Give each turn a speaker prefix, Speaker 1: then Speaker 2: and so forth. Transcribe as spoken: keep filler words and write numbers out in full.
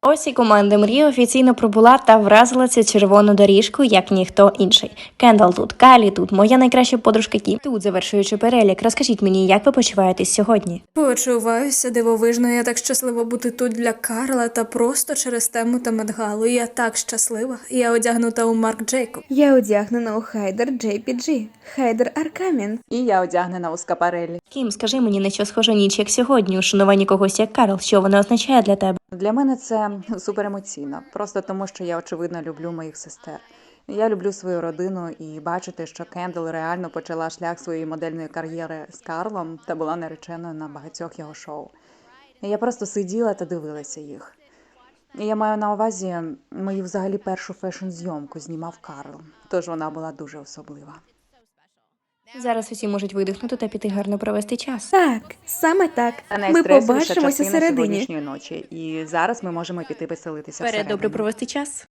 Speaker 1: Ось і команда мрії офіційно пробула та вразила цю червону доріжку, як ніхто інший. Кендал тут, Калі тут, моя найкраща подружка Кім. Тут, завершуючи перелік, розкажіть мені, як ви почуваєтесь сьогодні?
Speaker 2: Почуваюся дивовижно, я так щаслива бути тут для Карла та просто через тему та Медгалу. Я так щаслива. Я одягнута у Марк Джейкоб.
Speaker 3: Я одягнена у Хайдер джей пі джі, Хайдер Аркамін.
Speaker 4: І я одягнена у Скапареллі.
Speaker 1: Кім, скажи мені, на що схожа ніч, як сьогодні, у шануванні когось як Карл, що вона означає для тебе?
Speaker 4: Для мене це суперемоційно, просто тому, що я, очевидно, люблю моїх сестер. Я люблю свою родину і бачити, що Кендал реально почала шлях своєї модельної кар'єри з Карлом та була нареченою на багатьох його шоу. І я просто сиділа та дивилася їх. І я маю на увазі мою взагалі першу фешн-зйомку знімав Карл, тож вона була дуже особлива.
Speaker 1: Зараз усі можуть видихнути та піти гарно провести час.
Speaker 3: Так, саме так.
Speaker 4: Та
Speaker 3: Ми
Speaker 4: найстресовіша
Speaker 3: побачимося
Speaker 4: частина
Speaker 3: середині.
Speaker 4: сьогоднішньої ночі. І зараз ми можемо піти веселитися
Speaker 1: Вперед,
Speaker 4: всередину.
Speaker 1: добре провести час.